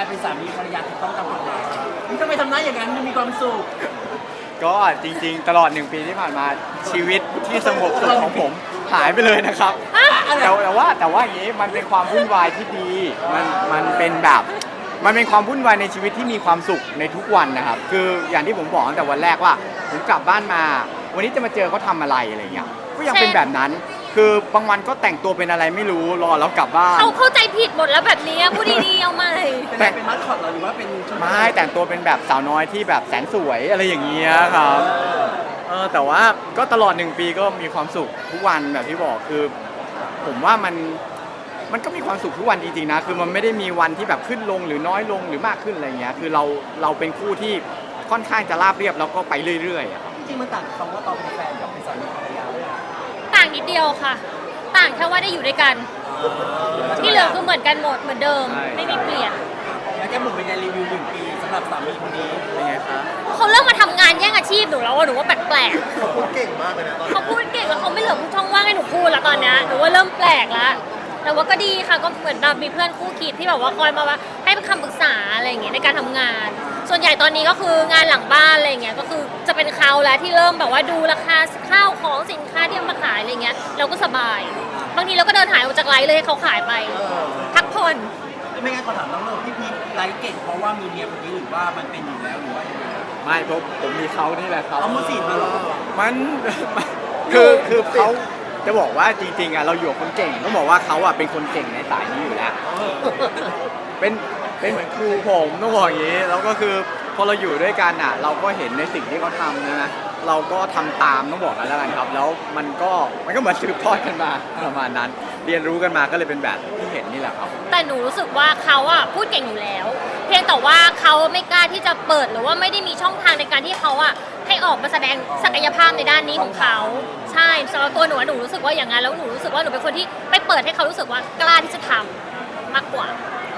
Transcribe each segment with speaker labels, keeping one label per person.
Speaker 1: เป็นสามีภรรยาถูกต้องตามกฎหมายนี่ทำไมทำหน้าอย่างนั้นมันมีความสุข
Speaker 2: ก็จริงๆตลอด1 ปีที่ผ่านมาชีวิตที่สงบสุขของผมหายไปเลยนะครับแต่ว่าอย่างนี้มันเป็นความวุ่นวายที่ดีมันเป็นแบบมันเป็นความวุ่นวายในชีวิตที่มีความสุขในทุกวันนะครับคืออย่างที่ผมบอกตั้งแต่วันแรกว่าผมกลับบ้านมาวันนี้จะมาเจอเขาทำอะไรเงี้ยก็ยังเป็นแบบนั้นคือบางวันก็แต่งตัวเป็นอะไรไม่รู้รอแล้วกลับบ้าน
Speaker 3: เขาเข้าใจผิดหมดแล้วแบบนี้พูดดีๆเอาใหม่
Speaker 1: เป็นมัสคอตหรือว่าเป็น
Speaker 2: ไม่แต่งตัวเป็นแบบสาวน้อยที่แบบแสนสวยอะไรอย่างเงี้ยครับแต่ว่าก็ตลอด1 ปีก็มีความสุขทุกวันแบบที่บอกคือผมว่ามันก็มีความสุขทุกวันจริงๆนะคือมันไม่ได้มีวันที่แบบขึ้นลงหรือน้อยลงหรือมากขึ้นอะไรเงี้ยคือเราเป็นคู่ที่ค่อนข้างจะราบเรียบแล้วก็ไปเรื่อยๆ
Speaker 1: จริงๆมันต่างคำว่าตอนเป็นแฟนกับเป็นสามีภรรยาเลย
Speaker 3: ต่างนิดเดียวค่ะต่างแค่ว่าได้อยู่ด้วยกันที่เหลือคือเหมือนกันหมดเหมือนเดิมไม่มีเปลี่ยน
Speaker 1: แล้วแกหมุนเป็นการรีวิว1 ปีสำหรับสามีคนนี้
Speaker 2: เป็นไงคะ
Speaker 3: เขาเริ่มมาทำงานแย่งอาชีพหนูแล้วหนูว่าแปลก
Speaker 4: ๆเขาพูดเก่งมากเลยนะ
Speaker 3: เขาพูดเก่งแล้วเขาไม่เหลือช่องว่างให้หนูพูดแล้วตอนนี้หนูว่าเริ่มแปลกแล้วแต่ว่าก็ดีค่ะก็เหมือนแบบมีเพื่อนคู่คิดที่แบบว่าคอยมาว่าให้คำปรึกษาอะไรอย่างเงี้ยในการทำงานส่วนใหญ่ตอนนี้ก็คืองานหลังบ้านอะไรเงี้ยก็คือจะเป็นเขาแล้วที่เริ่มแบบว่าดูราคาข้าวของสินค้าที่มาขายอะไรเงี้ยเราก็สบายบางทีเราก็เดินหายออกจากไลฟ์เลยให้เขาขายไปพักผ่อน
Speaker 1: ไม่งั้นขอถามน้องเลิฟพี่พีไลฟ์เก่งเพราะว่ามีเมียคนนี้หรือว่ามันเป็นอยู่แล้วหรือว่ายังไง
Speaker 2: ไม่เพราะผมมีเขานี่แหละครับ
Speaker 1: เอามือสีมาหรอ
Speaker 2: มันคือเขาจะบอกว่าจริงๆอ่ะเราอยู่กับคนเก่งต้องบอกว่าเขาอ่ะเป็นคนเก่งในสายนี้อยู่แล้วเป็นเหมือนครูผมต้องบอกอย่างนี้แล้วก็คือพอเราอยู่ด้วยกันอ่ะเราก็เห็นในสิ่งที่เขาทำนะเราก็ทำตามต้องบอกกันแล้วกันครับแล้วมันก็เหมือนสืบทอดกันมาประมาณนั้นเรียนรู้กันมาก็เลยเป็นแบบที่เห็นนี่แหละครับ
Speaker 3: แต่หนูรู้สึกว่าเขาอ่ะพูดเก่งอยู่แล้วเพียงแต่ว่าเขาไม่กล้าที่จะเปิดหรือว่าไม่ได้มีช่องทางในการที่เขาอ่ะให้ออกมาแสดงศักยภาพในด้านนี้ของเขาใช่สำหรับตัวหนูรู้สึกว่าอย่างนั้นแล้วหนูรู้สึกว่าหนูเป็นคนที่ไปเปิดให้เขารู้สึกว่ากล้าที่จะทำมากกว่า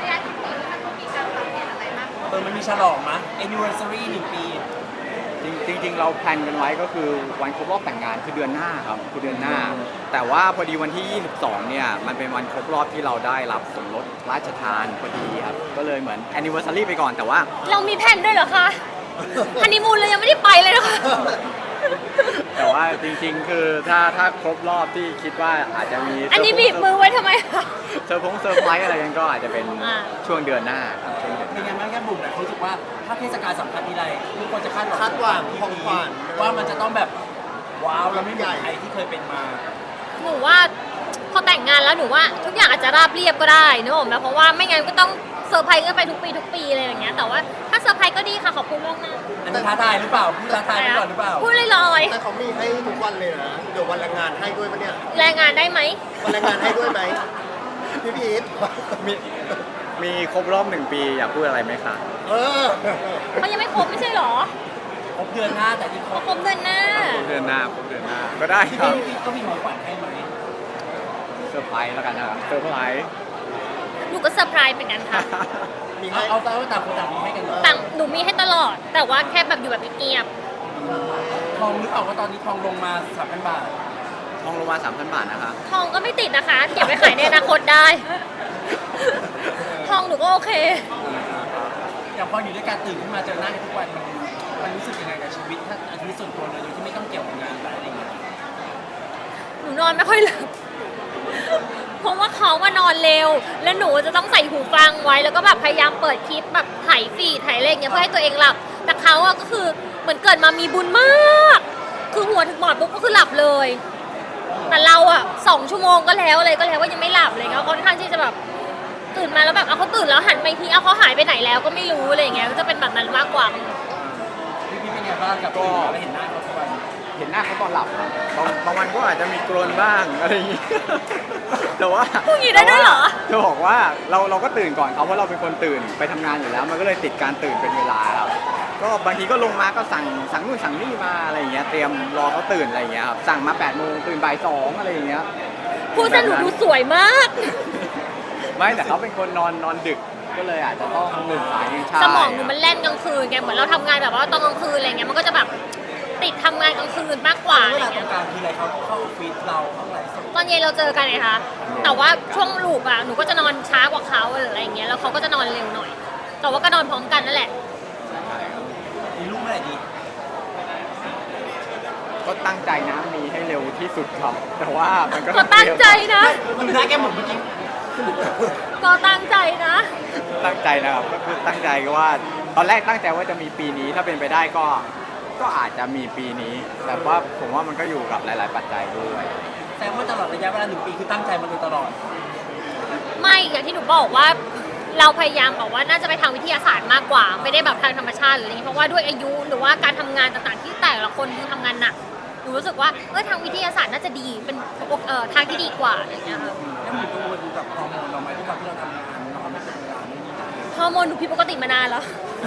Speaker 1: มันมีฉลองมั้ย anniversary 1 ปี
Speaker 2: จริงเราแพลนกันไว้ก็คือวันครบรอบแต่งงานคือเดือนหน้าครับคือเดือนหน้าแต่ว่าพอดีวันที่22เนี่ยมันเป็นวันครบรอบที่เราได้รับสมรสราชทานพอดีครับก็เลยเหมือน anniversary ไปก่อนแต่ว่า
Speaker 3: เรามีแผนด้วยเหรอคะฮันนีมูนเลยยังไม่ได้ไปเลยนะคะ
Speaker 2: แต่ว่าจริงๆคือถ้าครบรอบที่คิดว่าอาจจะมี
Speaker 3: อันนี้บีบมือไว้ทำไมคะ
Speaker 2: เซอร์ไพรส์อะไรกันก็อาจจะเป็นช่วงเดือนหน้าครับช่วงเดือน
Speaker 1: เป็นยังไงแค่บุ๋มแต่รู้สึกว่าถ้าเทศกาลสำคัญทีไรทุกคนจะคาดห
Speaker 4: วังของขวัญ
Speaker 1: ว่ามันจะต้องแบบว้าวแล้วไม่เหมือนใครที่เคยเป็นมา
Speaker 3: หนูว่าพอแต่งงานแล้วหนูว่าทุกอย่างอาจจะราบเรียบก็ได้นึกออกไหมเพราะว่าไม่งั้นก็ต้องเซอร์ไพรส์กันไปทุกปีอะไรอย่างเงี้ยแต่ว่าถ้าเซอร์ไพรส์ก็ดีค่ะขอบคุณมากนะ
Speaker 1: อันนี้ท้าทายหรือเปล่าพูดท้าทายก่อนหรือเปล่า
Speaker 3: พูดลอย
Speaker 4: ๆแต่เขามีให้ทุกวันเลยนะเดี๋ยววันแรงงานให้ด้วยปะเนี่ย
Speaker 3: แรงงานได้ไหม
Speaker 4: วันแรงงานให้ด้วยไหมพี่พีท
Speaker 2: มีครบรอบ1 ปีอยากพูดอะไรไหมคะ
Speaker 3: เขายังไม่ครบไม่ใช่หรอ
Speaker 1: ครบเดือนหน้าแต่ที่
Speaker 3: ครบเดือนหน้า
Speaker 2: ก็ได้ครับ
Speaker 1: ก็มีของขวัญให้ไหม
Speaker 2: เซอร์ไพรส์แล้วกันนะครับเซอร์ไพรส์
Speaker 3: หนูก็เซอร์ไพรส์เหมือนกันค่ะ
Speaker 1: มีให้เอาต่างคนต่างมีให้กัน
Speaker 3: ต่างหนูมีให้ตลอดแต่ว่าแค่แบบอยู่แบบเงียบ
Speaker 1: ทองหรือเปล่าว่าตอนนี้ทองลงมา 3,000 บาท
Speaker 2: ทองลงมา 3,000 บาทนะคะ
Speaker 3: ทองก็ไม่ติดนะคะเก็บไว้ขายในอนาคตได้ทองหนูก็โอเค
Speaker 1: อย่างพออยู่ด้วยกันตื่นขึ้นมาเจอหน้ากันทุกวันมันรู้สึกยังไงกับชีวิตถ้าชีวิตส่วนตัวเลยโดยที่ไม่ต้องเกี่ยวกับงานอะไรอย่างเงี้ย
Speaker 3: หนูนอนไม่ค่อยหลับเพราะว่าเขามานอนเร็วแล้วหนูจะต้องใส่หูฟังไว้แล้วก็แบบพยายามเปิดคลิปแบบถ่ายฟีดถ่ายอะไรอย่างเงี้ยเพื่อให้ตัวเองหลับแต่เขาอะก็คือเหมือนเกิดมามีบุญมากคือหัวถึงหมอนปุ๊บก็คือหลับเลยแต่เราอะ2 ชั่วโมงก็แล้วว่ายังไม่หลับเลยเขาค่อนข้างที่จะแบบตื่นมาแล้วแบบเอาเขาตื่นแล้วหันไปทีเอาเขาหายไปไหนแล้วก็ไม่รู้อะไรอย่างเงี้ยก็จะเป็นแบบนั้นมากกว่า
Speaker 1: พี่เป็นไงบ้างกับก็เห็นหน้าเขาทุกวัน
Speaker 2: เห็นหน้าเขาตอนหลับบางวันก็อาจจะมีกรนบ้างอะไรอย่างงี้แต่ว่า
Speaker 3: พูดอย่างนี้ได้ด้วยเหรอ
Speaker 2: จะบอกว่าเราก็ตื่นก่อนเขาเพราะเราเป็นคนตื่นไปทำงานอยู่แล้วมันก็เลยติดการตื่นเป็นเวลาครับก็บางทีก็ลงมาก็สั่งนู่นสั่งนี่มาอะไรอย่างเงี้ยเตรียมรอเขาตื่นอะไรอย่างเงี้ยครับสั่งมา8 โมงตื่นบ่าย 2อะไรอย่างเงี้ย
Speaker 3: พูดซะหนูดูสวยมาก
Speaker 2: ไม่แต่เขาเป็นคนนอนดึกก็เลยอาจจะต้องตื่นสายนิด
Speaker 3: สมองหนูมันแล่นกลางคืนไงเหมือนเราทำงานแบบว่าตอนกลางคืนอะไรเงี้ยมันก็จะแบบติดทำงานกลางคืนมากกว่าอะไรเงี้ย
Speaker 1: การทีไรเขาเข้าออฟฟิศเราเข้าอะไร
Speaker 3: ตอนเย็นเราเจอกันไงคะแต่ว่าช่วงลูกอ่ะหนูก็จะนอนช้ากว่าเขาอะไรอย่างเงี้ยแล้วเขาก็จะนอนเร็วหน่อยแต่ว่าก็นอนพร้อมกันนั่นแหละ
Speaker 2: ใช่ครับ
Speaker 1: มีลูกเมื่อไหร่ดี
Speaker 2: ก็ตั้งใจนะมีให้เร็วที่สุดครับ แต่ว่ามันก็
Speaker 3: ก็ตั้งใจนะ
Speaker 1: ดูหน้าแกหมดเมื่อกี้
Speaker 3: ก็ตั้งใจนะ
Speaker 2: ตั้งใจนะครับก็คือตั้งใจก็ว่าตอนแรกตั้งใจว่าจะมีปีนี้ถ้าเป็นไปได้ก็อาจจะมีปีนี้ แต่ว่าผมว่ามันก็อยู่กับหลาย ๆ ปัจจัยด้วย
Speaker 1: แสดงว่าตลอดระยะเวลา1 ปีคือตั้งใจมาโดยตลอด
Speaker 3: ไม่อย่างที่หนูบอกว่าเราพยายามบอกว่าน่าจะไปทางวิทยาศาสตร์มากกว่า ไม่ได้แบบทางธรรมชาติหรืออะไรอย่างนี้เพราะว่าด้วยอายุหรือว่าการทำงานต่างๆที่แต่ละคนคือทำงานหนักหนูรู้สึกว่าทางวิทยาศาสตร์น่าจะดีเป็นทางที่ดีกว่าอะไรอย่างเงี้ยค่ะ
Speaker 1: แล้วมีกังวลกับฮอร์โมนเราไหมที่เราทำงานนอนไม่เป็นเวลาไม่มีนาน
Speaker 3: ฮอร์โมนหนูผิดปกติมานานแล้ว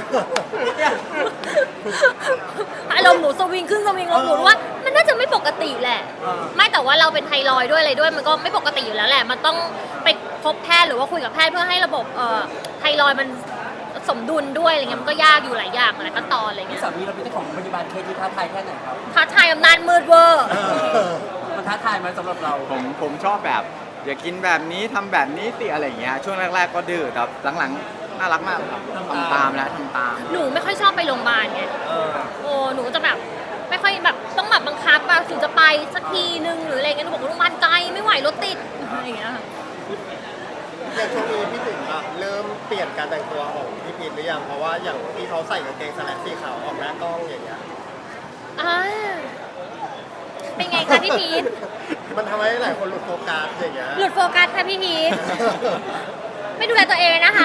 Speaker 3: อารมณ์หนูสวิงขึ้นสวิงลงหนูรู้ว่ามันน่าจะไม่ปกติแหละ ไม่แต่ว่าเราเป็นไทรอยด์ด้วยอะไรด้วยมันก็ไม่ปกติอยู่แล้วแหละ มันต้องไปพบแพทย์หรือว่าคุยกับแพทย์เพื่อให้ระบบไทรอยด์มันสมดุลด้วยอะไรเงี้ยมันก็ยากอยู่หลายอย่างหลายขั้นตอนอะไร
Speaker 1: ที่
Speaker 3: เงี้ย
Speaker 1: สามีเราเป็นเจ้าของโรงพยาบาลเคสที่ท้าทายแค่ไหนครับ
Speaker 3: ท้าทายอำนาจมืดเวอร์
Speaker 1: มันท้าทายไหมสำหรับเรา
Speaker 2: ผมชอบแบบอย่ากินแบบนี้ทำแบบนี้สิอะไรอย่างเงี้ยช่วงแรก ๆ ก็ดื้อแต่หลังๆน่ารักมากครับทำตามแล้วทำตาม
Speaker 3: หนูไม่ค่อยชอบไปโรงพยาบาลไง โอ้หนูจะแบบไม่ค่อยแบบต้องแบบบังคับอะถึงจะไปสักทีนึงหรืออะไรเงี้ยหนูบอกว่าโรงพยาบาลไกลไม่ไหวรถติดอะไรอย่างเงี้ยค่ะ
Speaker 4: อย่างช่วงนี้พี่ถึงอะเริ่มเปลี่ยนการแต่งตัวของพี่พีทหรือยังเพราะว่าอย่างที่เขาใส่กางเกงสแลกสีขาวออกหน้ากล้องอย่างเงี้ย
Speaker 3: อ่าเป็นไงคะพี่พีท
Speaker 4: มันทำให้หลายคนหลุดโฟกัสอย่างเงี้ย
Speaker 3: หลุดโฟกัสค่ะพี่พีทไม่ดูแลตัวเองนะคะ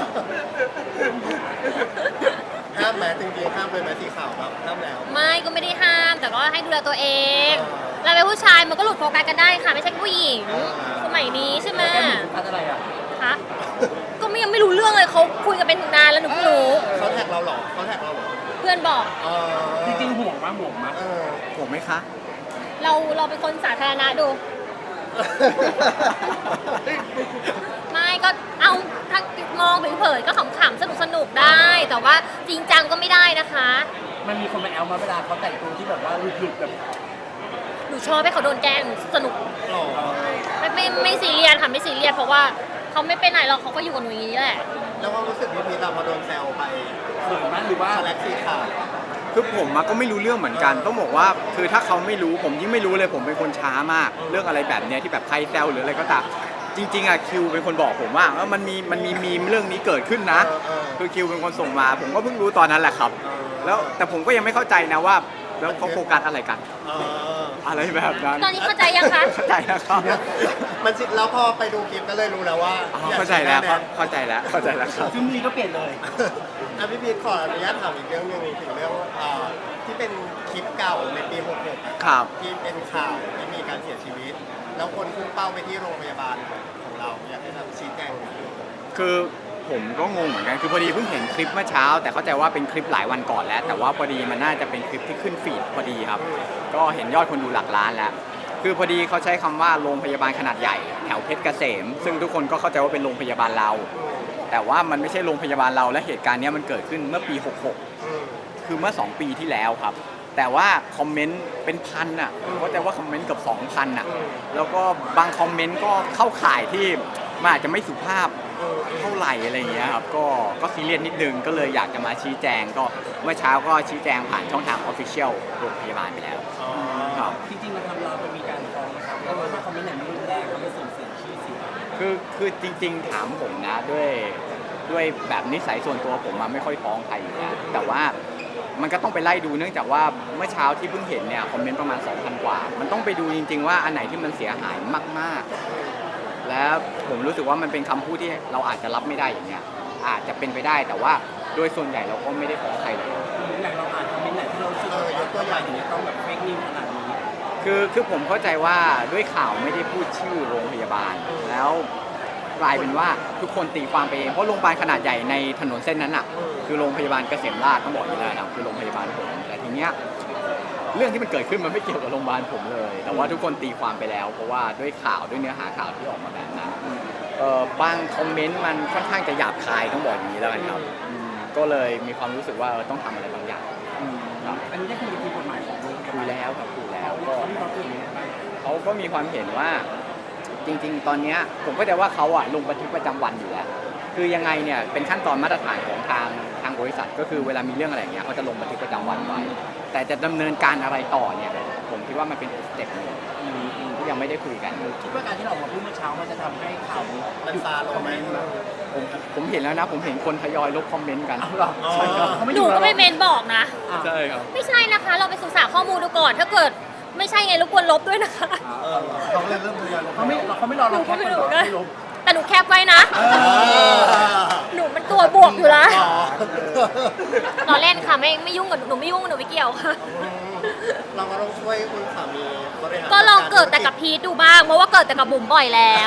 Speaker 4: ห้ามแม้จริงๆห้ามเลยไหมสีขาวแบบห้ามแล้ว
Speaker 3: ไม่ก็ไม่ได้ห้ามแต่ก็ให้ดูแลตัวเองเราเป็นผู้ชายมันก็หลุดโฟกัสกันได้ค่ะไม่ใช่ผู้หญิงสมัยนี้ใช่ไหม
Speaker 1: แกมีโฟกัสอะไรอ่ะ
Speaker 3: คะก็ยังไม่รู้เรื่องเลยเขาคุยกันเป็นถึงนานแล้วหนูเพิ่งรู้
Speaker 4: เขาแท็กเราเหรอเขาแท็กเราเหรอ
Speaker 3: เพื่อนบอก
Speaker 1: จริงๆห่วงมากห่วงมาก
Speaker 2: ผมไหมคะ
Speaker 3: เราเป็นคนสาธารณะดู ไม่ก็เอาถ้ามองเผินๆก็ขำๆสนุกๆได้ แต่ว่าจริงจังก็ไม่ได้นะคะ
Speaker 1: มันมีคนมาแอลมาเวลาเขาแต่งตัวที่แบบว่าหลุดๆแบบ
Speaker 3: หนูชอบให้เขาโดนแกล้งหนูสนุก
Speaker 4: หล่อ
Speaker 3: ไม่ซีเรียสค่ะไม่ซีเรียสเพราะว่าเขาไม่ไปไหนหรอกเขาก็อยู่กับหนูอย่างนี้แหละ
Speaker 4: แล้วความรู้สึกพี่พีทอะพอโดนแซวไป
Speaker 1: เขินมากหรือว่า
Speaker 4: สแลกสีขาว
Speaker 2: คือผมก็ไม่รู้เรื่องเหมือนกันต้องบอกว่าคือถ้าเขาไม่รู้ผมยิ่งไม่รู้เลยผมเป็นคนช้ามาก เรื่องอะไรแบบเนี้ยที่แบบใครแซวหรืออะไรก็ตามจริงๆอะคิวเป็นคนบอกผมว่ามันมีมีมเรื่องนี้เกิดขึ้นนะคือคิวเป็นคนส่งมา ผมก็เพิ่งรู้ตอนนั้นแหละครับ แล้วแต่ผมก็ยังไม่เข้าใจนะว่าแล้วเขาโฟกัสอะไรกัน อะไรแบบนั้น
Speaker 3: ตอนนี้เข้าใจยังคะ
Speaker 2: เข้าใจแล้วครับ
Speaker 4: มันสิแล้วพอไปดูคลิปก็เลยรู้แล้วว่า
Speaker 2: อ๋อเข้าใจแล้วครับเข้าใจแล้วเข้าใจแล้วครับ
Speaker 1: ซึ่งมีก็เปลี่ยนเลย
Speaker 4: อ่ะพี่พีทขออนุญาตถามอีกเรื่องหนึงถึงเรื่องที่เป็นคลิปเก่าในปี 66
Speaker 2: ครับ
Speaker 4: ที่เป็นข่าวที่มีการเสียชีวิต แล้วคนพุ่งเป้าไปที่โรงพยาบาลของเราอยากให้ทำชี้แจงหน่อย
Speaker 2: คือผมก็งงเหมือนกันคือพอดีเพิ่งเห็นคลิปเมื่อเช้า แต่เข้าใจว่าเป็นคลิปหลายวันก่อนแล้ว แต่ว่าพอดีมันน่าจะเป็นคลิปที่ขึ้นฟีดพอดีครับ ก็เห็นยอดคนดูหลักล้านแล้ว คือพอดีเขาใช้คำว่าโรงพยาบาลขนาดใหญ่แถวเพชรเกษม ซึ่งทุกคนก็เข้าใจว่าเป็นโรงพยาบาลเรา แต่ว่ามันไม่ใช่โรงพยาบาลเราและเหตุการณ์นี้มันเกิดขึ้นเมื่อปี 66 คือเมื่อ 2 ปีที่แล้วครับ แต่ว่าคอมเมนต์เป็นพันอ่ะผมเข้าใจว่าคอมเมนต์เกือบ 2,000 อ่ะ แล้วก็บางคอมเมนต์ก็เข้าข่ายที่มันอาจจะไม่สุภาพเท่าไหร่อะไรอย่างเงี้ยครับ ก็ซีเรียสนิดนึง ก็เลยอยากจะมาชี้แจง ก็เมื่อเช้าก็ชี้แจงผ่านช่องทาง Official โรงพยาบาลไปแล้วครับ
Speaker 1: จริงๆเราทำเราจะมีการฟ้องนะครับเพราะว่าถ้าคอมเมนต์ไหนไม่รุนแรงเขาไม่ส่งเสียชื่อเสียง
Speaker 2: คือจริงๆถามผมนะด้วยแบบนิสัยส่วนตัวผมมันไม่ค่อยฟ้องใครอยู่แล้วแต่ว่ามันก็ต้องไปไล่ดูเนื่องจากว่าเมื่อเช้าที่เพิ่งเห็นเนี่ยคอมเมนต์ประมาณ 2,000 กว่า มันต้องไปดูจริงๆว่าอันไหนที่มันเสียหายมากๆ แล้วผมรู้สึกว่ามันเป็นคำพูดที่เราอาจจะรับไม่ได้อย่างเงี้ยอาจจะเป็นไปได้แต่ว่าโดยส่วนใหญ่เราก็ไม่ได้ฟ้องใครเลย
Speaker 1: อย่างเราอ่านคอมเมนต์ไหนที่เรารู้สึกว่ายกตัวอย่างอย่างนี้ยต้องแบบเฟกนิวขนาดนี้
Speaker 2: คือผมเข้าใจว่าด้วยข่าวไม่ได้พูดชื่อโรงพยาบาล แล้วกลายเป็นว่าทุกคนตีความไปเองเพราะโรงพยาบาลขนาดใหญ่ในถนนเส้นนั้นอ่ะคือโรงพยาบาลเกษมราษฎร์ต้องบอกอยู่แล้วนะคือโรงพยาบาลผมแต่ทีเนี้ยเรื่องที่มันเกิดขึ้นมันไม่เกี่ยวกับโรงพยาบาลผมเลย แต่ว่าทุกคนตีความไปแล้ว เพราะว่าด้วยข่าวด้วยเนื้อหาข่าวที่ออกมาแบบนั้นบางคอมเมนต์มันค่อนข้างจะหยาบคายต้องบอกอย่างนี้แล้วกันครับก็เลยมีความรู้สึกว่าต้องทำอะไรบางอย่างครับ
Speaker 1: อันนี้ได้คุยกับทีมกฎหมายของโรงพยา
Speaker 2: คุ
Speaker 1: บาย ล
Speaker 2: แล้วครับคุยแล้ว
Speaker 1: ก็
Speaker 2: ก็
Speaker 1: ที่เขาคุยอย่างนี้บ้าง
Speaker 2: เขาก็มีความเห็นว่าจริงๆ ตอนเนี้ยผมก็จะว่าเขาอะลงบันทึกประจำวันอยู่แล้วคือยังไงเนี่ยเป็นขั้นตอนมาตรฐานของทางบริษัทก็คือเวลามีเรื่องอะไรอย่างเงี้ยเขาจะลงบันทึกประจำวันไว้แต่จะดำเนินการอะไรต่อเนี่ยผมคิดว่ามันเป็นสเต็ปหนึงที่ยังไม่ได้คุยกัน
Speaker 1: คิดว่าการที่เราออกมาพูดเมื่อเช้ามันจะทำให้ข่าวนี้
Speaker 4: มันซาลงไหม
Speaker 2: ผมเห็นแล้วนะผมเห็นคนทยอยลบคอมเมนต์กัน
Speaker 1: เอาหรอใช่ครับเขาไม่
Speaker 3: ห
Speaker 1: อ
Speaker 3: นู
Speaker 1: ยู่
Speaker 3: ก็ไม่เมนบอกนะ
Speaker 2: ใช่ครับ
Speaker 3: ไม่ใช่นะคะ เราไปศึกษาข้อมูลดูก่อน ถ้าเกิดไม่ใช่ไงรบกวนลบด้วยนะคะ
Speaker 4: เขาเลยเริ่มทยอยลง
Speaker 1: เขาไม่รอเราแค่คนเดียวไม่ลบ
Speaker 3: แต่หนูแคปไว้นะ หนูมันตัวบวกอยู่แล้ว ตอนเล่นค่ะไม่ยุ่งกับหนูไม่ยุ่งกับหนูไม่เกี่ยวค่ะ
Speaker 4: เราก็ต้องช่วยคุณสามีบริหาร
Speaker 3: ก็ลองเกิดแต่กับพีทดูบ้าง เพราะว่าเกิดแต่กับบุ๋มบ่อยแล้ว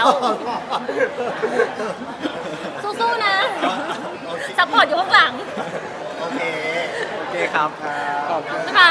Speaker 3: สู้ๆนะซัพพอร์ตอยู่ข้างหลัง
Speaker 4: โอเค
Speaker 2: โอเคครับขอบคุณ
Speaker 3: นะคะ